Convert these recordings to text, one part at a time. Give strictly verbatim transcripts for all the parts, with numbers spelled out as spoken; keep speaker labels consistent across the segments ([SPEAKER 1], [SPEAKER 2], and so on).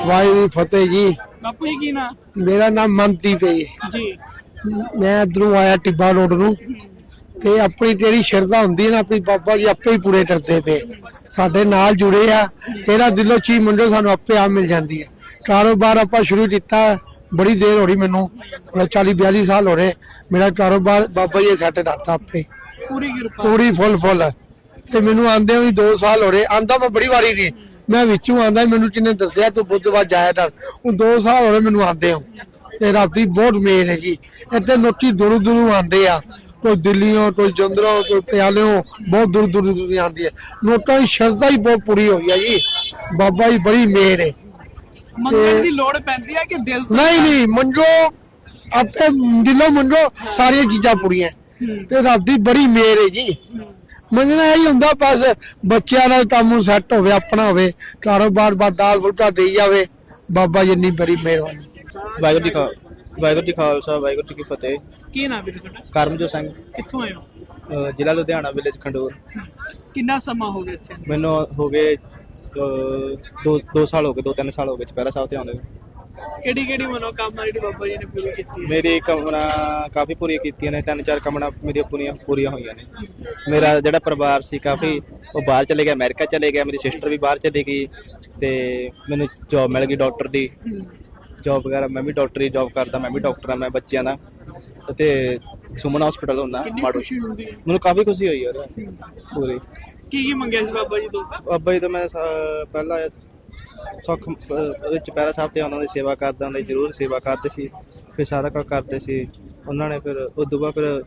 [SPEAKER 1] वाहिगुरू फतेह जी।
[SPEAKER 2] बापू जी की ना
[SPEAKER 1] मेरा नाम मनदीप है
[SPEAKER 2] जी।
[SPEAKER 1] मैं इधरों आया टिब्बा रोड ਨੂੰ ਤੇ ਆਪਣੀ ਜਿਹੜੀ ਸ਼ਰਧਾ ਹੁੰਦੀ ਹੈ ਨਾ ਆਪਣੀ ਬਾਬਾ ਜੀ ਆਪੇ ਹੀ ਪੂਰੇ ਕਰਦੇ ਪਏ ਸਾਡੇ ਨਾਲ ਜੁੜੇ ਆ ਤੇਰਾ ਦਿਲੋਂ ਚੀਜ਼ ਮੰਗੋ ਸਾਨੂੰ ਆਪੇ ਆ ਮਿਲ ਜਾਂਦੀ ਹੈ ਕਾਰੋਬਾਰ ਆਪਾਂ ਸ਼ੁਰੂ ਕੀਤਾ ਬੜੀ ਦੇਰ ਹੋ ਰਹੀ ਮੈਨੂੰ ਚਾਲੀ ਬਿਆਲੀ ਸਾਲ ਹੋ ਰਹੇ ਮੇਰਾ ਕਾਰੋਬਾਰ ਬਾਬਾ ਜੀ ਸੈੱਟ ਕਰਤਾ ਆਪੇ
[SPEAKER 2] पूरी कृपा
[SPEAKER 1] ਪੂਰੀ ਫੁੱਲ ਫੁੱਲ ਤੇ ਮੈਨੂੰ ਆਂਦੇ ਵੀ ਦੋ ਸਾਲ ਹੋ ਰਹੇ ਆਂਦਾ ਮੈਂ ਬੜੀ ਵਾਰੀ ਸੀ ਮੈਂ ਵਿੱਚੋਂ ਆਂਦਾ ਮੈਨੂੰ ਕਿੰਨੇ ਦੱਸਿਆ ਤੂੰ ਬੁੱਧਵਾਰ ਜਾਇਆ ਕਰ ਹੁਣ ਦੋ ਸਾਲ ਹੋ ਰਹੇ ਮੈਨੂੰ ਆਂਦੇ ਹੋ ਤੇ ਰੱਬ ਦੀ ਬਹੁਤ ਮਿਹਰ ਹੈ ਜੀ ਇੱਥੇ ਲੋਕੀ ਦੂਰੋਂ ਦੂਰੋਂ ਆਂਦੇ ਆ कोई दिल्लियों कोई जंदरों कोई प्यालियों बहुत दूर दूर दूर आती है नोटा की श्रद्धा ही बहुत पूरी हो गई जी बाबा जी बड़ी मेहर है
[SPEAKER 2] मंगल दी लोड़ पैंदी है कि दिल तो
[SPEAKER 1] नहीं नहीं मंजो आपे दिलों मंजो सारी चीजा पूरी ते रब दी बड़ी मेहर है जी मंगना यही हुंदा बस बच्चों का काम सैट होवे अपना होवे कारोबार बस दाल फुलका दे जावे बाबा जी इन्नी बड़ी मेहरबानी
[SPEAKER 3] वाहिगुरू जी का वाहिगुरू जी खालसा वाहिगुरू जी की फतेह
[SPEAKER 2] की नाम है ਤੁਹਾਡਾ
[SPEAKER 3] ਕਰਮਜੋਤ ਸਿੰਘ
[SPEAKER 2] ਕਿੱਥੋਂ ਆਏ ਹੋ
[SPEAKER 3] ਜ਼ਿਲ੍ਹਾ ਲੁਧਿਆਣਾ ਵਿਲੇਜ ਖੰਡੂਰ
[SPEAKER 2] ਕਿੰਨਾ ਸਮਾਂ ਹੋ ਗਿਆ ਇੱਥੇ
[SPEAKER 3] ਮੈਨੂੰ ਹੋ ਗਏ ਅਹ, ਦੋ ਦੋ ਸਾਲ ਹੋ ਗਏ ਦੋ ਤਿੰਨ ਸਾਲ ਹੋ ਗਏ ਚੁਪਹਿਰਾ ਸਾਹਿਬ ਤੇ ਆਉਂਦੇ ਨੂੰ।
[SPEAKER 2] ਕਿਹੜੀ ਕਿਹੜੀ ਮਨੋਕਾਮਨਾ ਜਿਹੜੀ ਬਾਬਾ ਜੀ ਨੇ ਪੂਰੀ ਕੀਤੀ ਹੈ
[SPEAKER 3] ਮੇਰੀ ਕਮਣਾ ਕਾਫੀ ਪੂਰੀਆਂ ਕੀਤੀਆਂ ਨੇ ਤਿੰਨ ਚਾਰ ਕਮਣਾ ਮੇਰੀਆਂ ਪੂਰੀਆਂ ਪੂਰੀਆਂ ਹੋਈਆਂ ਨੇ ਮੇਰਾ ਜਿਹੜਾ ਪਰਿਵਾਰ ਸੀ ਕਾਫੀ ਉਹ ਬਾਹਰ ਚਲੇ ਗਿਆ ਅਮਰੀਕਾ ਚਲੇ ਗਿਆ ਮੇਰੀ ਸਿਸਟਰ ਵੀ ਬਾਹਰ ਚਲੀ ਗਈ ਤੇ ਮੈਨੂੰ ਜੌਬ ਮਿਲ ਗਈ ਡਾਕਟਰ ਦੀ ਜੌਬ ਵਗੈਰਾ ਮੈਂ ਵੀ ਡਾਕਟਰੀ ਜੌਬ ਕਰਦਾ ਮੈਂ ਵੀ ਡਾਕਟਰ ਆ ਮੈਂ ਬੱਚਿਆਂ ਦਾ ਤੇ ਸੁਮਨ ਹਸਪੀਟਲ ਹੁੰਦਾ
[SPEAKER 2] ਕਿੰਨੀ
[SPEAKER 3] ਮਾੜੂ
[SPEAKER 2] ਖੁਸ਼ੀ ਹੁੰਦੀ ਹੈ
[SPEAKER 3] ਮੈਨੂੰ ਕਾਫੀ ਖੁਸ਼ੀ ਹੋਈ ਯਾਰ ਪੂਰੀ
[SPEAKER 2] ਕੀ ਕੀ ਮੰਗਿਆ ਸੀ ਬਾਬਾ ਜੀ ਤੋਂ
[SPEAKER 3] ਬਾਬਾ ਜੀ ਤੋਂ ਮੈਂ ਸ- ਪਹਿਲਾਂ ਸੁੱਖ ਉਹਦੇ ਚੁਪਹਿਰਾ ਸਾਹਿਬ ਤੇ ਉਹਨਾਂ ਦੀ ਸੇਵਾ ਕਰਦਾ ਹੁੰਦਾ ਜ਼ਰੂਰ ਸੇਵਾ ਕਰਦੇ ਸੀ ਫਿਰ ਸਾਰਾ ਕੁਝ ਕਰਦੇ ਸੀ ਉਹਨਾਂ ਨੇ ਫਿਰ ਉਦੋਂ ਬਾਅਦ ਫਿਰ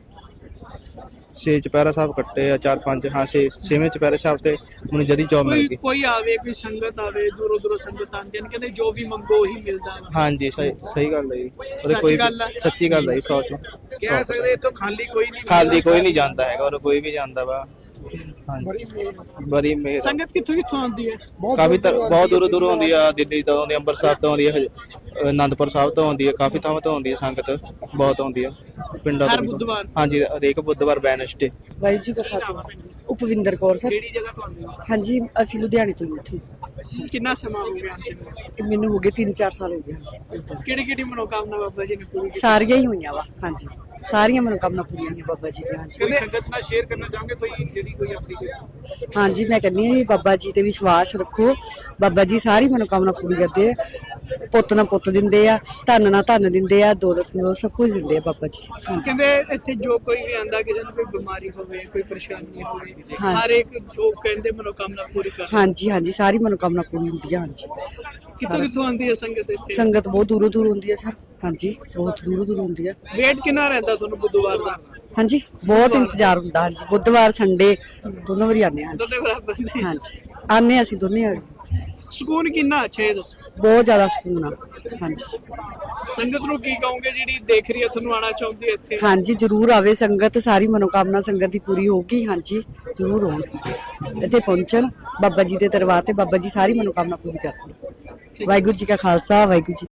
[SPEAKER 3] ਛੇ ਚੁਪਹਿਰਾ ਸਾਹਿਬ ਕੱਟੇ ਆ ਚਾਰ ਪੰਜ ਹਾਂ ਛੇ ਛੇਵੇਂ ਚੁਪਹਿਰਾ ਸਾਹਿਬ ਤੇ ਮੈਨੂੰ ਜਦੀ ਜੌਬ ਮਿਲ
[SPEAKER 2] ਕੋਈ
[SPEAKER 3] ਗਈ
[SPEAKER 2] ਕੋਈ ਆਵੇ ਕੋਈ ਸੰਗਤ ਆਵੇ ਦੂਰੋਂ ਦੂਰੋਂ ਸੰਗਤ ਆਉਂਦੀਆਂ ਨੇ ਕਹਿੰਦੇ ਜੋ ਵੀ ਮੰਗੋ ਉਹੀ ਮਿਲਦਾ ਵਾ
[SPEAKER 3] ਹਾਂਜੀ ਸਹੀ ਸਹੀ ਗੱਲ ਹੈ ਜੀ ਉਹਦੇ
[SPEAKER 2] ਸੱਚੀ
[SPEAKER 3] ਕੋਈ
[SPEAKER 2] ਗੱਲ ਆ।
[SPEAKER 3] ਸੱਚੀ ਗੱਲ ਹੈ ਜੀ ਸੌ ਚੋਂ
[SPEAKER 4] ਕਹਿ ਸਕਦੇ ਇਥੋਂ ਖਾਲੀ ਕੋਈ ਨਹੀਂ
[SPEAKER 3] ਖਾਲੀ ਕੋਈ ਨਹੀਂ ਜਾਂਦਾ ਹੈਗਾ ਔਰ ਕੋਈ ਵੀ ਜਾਂਦਾ ਵਾ ਹਾਂਜੀ ਬੜੀ ਮਿਹਰ
[SPEAKER 2] ਸੰਗਤ ਕਿੱਥੋਂ ਕਿੱਥੋਂ ਆਉਂਦੀ ਹੈ
[SPEAKER 3] ਕਾਫੀ ਤਾਂ ਬਹੁਤ ਦੂਰੋਂ ਦੂਰੋਂ ਆਉਂਦੀ ਆ ਦਿੱਲੀ ਤੋਂ ਆਉਂਦੀ ਆ ਅੰਮ੍ਰਿਤਸਰ ਤੋਂ ਆਉਂਦੀ ਆ ਹਜ- ਅਹ ਅਨੰਦਪੁਰ ਸਾਹਿਬ ਤੋਂ ਆਉਂਦੀ ਆ ਕਾਫੀ ਥਾਵਾਂ ਤੋਂ ਆਉਂਦੀ ਆ ਸੰਗਤ ਬਹੁਤ ਆਉਂਦੀ ਆ ਪਿੰਡਾਂ
[SPEAKER 2] ਹਰ
[SPEAKER 3] ਤੋਂ ਵੀ।
[SPEAKER 2] ਬੁੱਧਵਾਰ?
[SPEAKER 3] ਹਾਂਜੀ ਹਰੇਕ ਬੁੱਧਵਾਰ ਵੈਨਸਡੇ
[SPEAKER 5] ਵਾਹਿਗੁਰੂ ਜੀ ਕਾ ਖਾਲਸਾ ਉਪਵਿੰਦਰ ਕੌਰ ਸਰ
[SPEAKER 2] ਕਿਹੜੀ ਜਗ੍ਹਾ ਤੋਂ ਆਉਂਦੇ ਹੋ
[SPEAKER 5] ਹਾਂਜੀ ਅਸੀਂ ਲੁਧਿਆਣੇ ਤੋਂ ਹੀ ਇੱਥੇ
[SPEAKER 2] ਕਿੰਨਾ ਸਮਾਂ ਹੋ ਗਿਆ ਆਉਂਦੇ ਨੂੰ?
[SPEAKER 5] ਤੇ ਮੈਨੂੰ ਹੋ ਗਏ ਤਿੰਨ ਚਾਰ ਸਾਲ ਹੋ ਗਏ ਹਾਂਜੀ।
[SPEAKER 2] ਕਿਹੜੀ ਕਿਹੜੀ ਮਨੋਕਾਮਨਾ ਬਾਬਾ ਜੀ ਨੇ ਪੂਰੀ ਕੀਤੀ
[SPEAKER 5] ਸਾਰੀਆਂ ਹੀ ਹੋਈਆਂ ਵਾ ਹਾਂਜੀ ਸਾਰੀਆਂ ਮਨੋਕਾਮਨਾ ਪੂਰੀਆਂ ਹੋਈਆਂ ਬਾਬਾ ਜੀ ਦੀਆਂ ਹਾਂਜੀ
[SPEAKER 4] ਕੋਈ ਸੰਗਤ ਨਾਲ ਸ਼ੇਅਰ ਕਰਨਾ ਚਾਹੋਗੇ ਕੋਈ ਜਿਹੜੀ ਕੋਈ ਆਪਣੀ ਕੋਈ
[SPEAKER 5] ਹਾਂਜੀ ਮੈਂ ਕਹਿੰਦੀ ਹਾਂ ਜੀ ਬਾਬਾ ਜੀ ਤੇ ਵਿਸ਼ਵਾਸ ਰੱਖੋ ਬਾਬਾ ਜੀ ਸਾਰੀ ਮਨੋਕਾਮਨਾ ਪੂਰੀ ਕਰਦੇ ਆ ਪੁੱਤ ਨਾਲ ਪੁੱਤ ਦਿੰਦੇ ਆ ਧਨ ਨਾਲ ਧਨ ਦਿੰਦੇ ਆ ਦੌਲਤ ਨਾਲ ਸਭ ਕੁਝ ਦਿੰਦੇ ਆ ਬਾਬਾ ਜੀ ਹਾਂਜੀ
[SPEAKER 2] ਕਹਿੰਦੇ ਇੱਥੇ ਜੋ ਕੋਈ ਵੀ ਆਂਦਾ ਕਿਸੇ ਨੂੰ ਕੋਈ ਬਿਮਾਰੀ ਹੋਵੇ ਕੋਈ ਪਰੇਸ਼ਾਨੀ ਹੋਵੇ
[SPEAKER 5] ਹਾਂ।
[SPEAKER 2] ਹਰ ਇੱਕ ਜੋ ਕਹਿੰਦੇ ਮਨੋਕਾਮਨਾ ਪੂਰੀ ਕਰ
[SPEAKER 5] ਹਾਂਜੀ ਹਾਂਜੀ ਸਾਰੀ ਮਨੋਕਾਮਨਾ ਪੂਰੀ ਹੁੰਦੀ ਆ ਹਾਂਜੀ
[SPEAKER 2] ਕਿੱਥੋਂ ਕਿੱਥੋਂ ਆਉਂਦੀ ਹੈ ਸੰਗਤ ਇੱਥੇ
[SPEAKER 5] ਸੰਗਤ ਬਹੁਤ ਦੂਰੋਂ ਦੂਰ ਹੁੰਦੀ ਆ ਸਰ ਹਾਂਜੀ ਬਹੁਤ ਦੂਰੋਂ ਦੂਰ ਹੁੰਦੀ ਆ
[SPEAKER 2] ਵੇਟ ਕਿੰਨਾ ਰਹਿੰਦਾ ਤੁਹਾਨੂੰ ਬੁੱਧਵਾਰ ਦਾ
[SPEAKER 5] ਹਾਂਜੀ ਬਹੁਤ ਇੰਤਜ਼ਾਰ ਹੁੰਦਾ ਹਾਂਜੀ ਬੁੱਧਵਾਰ ਸੰਡੇ ਦੋਨੋਂ ਵਾਰੀ ਆਉਂਦੇ ਹਾਂ
[SPEAKER 2] ਦੋਨੇ ਬਰਾਬਰ ਨੇ
[SPEAKER 5] ਹਾਂਜੀ ਆਉਂਦੇ ਹਾਂ ਅਸੀਂ ਦੋਨੇ ਆ
[SPEAKER 2] ਸਕੂਨ ਕਿੰਨਾ ਅੱਛਾ ਇਹ ਦੱਸੋ
[SPEAKER 5] ਬਹੁਤ ਜ਼ਿਆਦਾ ਸਕੂਨ ਆ ਹਾਂਜੀ
[SPEAKER 2] ਸੰਗਤ ਨੂੰ ਕੀ ਕਹੋਗੇ ਜਿਹੜੀ ਦੇਖ ਰਹੀ ਹੈ ਤੁਹਾਨੂੰ ਆਣਾ ਚਾਹੁੰਦੀ ਹੈ ਇੱਥੇ
[SPEAKER 5] ਹਾਂਜੀ ਜਰੂਰ ਆਵੇ ਸੰਗਤ ਸਾਰੀ ਮਨੋਕਾਮਨਾ ਸੰਗਤ ਦੀ ਪੂਰੀ ਹੋਊਗੀ ਹਾਂਜੀ ਜਰੂਰ ਆਉਣ ਇੱਥੇ ਪਹੁੰਚਣ ਬਾਬਾ ਜੀ ਦੇ ਦਰਬਾਰ ਤੇ ਬਾਬਾ ਜੀ ਸਾਰੀ ਮਨੋਕਾਮਨਾ ਪੂਰੀ ਕਰਦੇ ਵਾਹਿਗੁਰੂ ਜੀ ਕਾ ਖਾਲਸਾ ਵਾਹਿਗੁਰੂ ਜੀ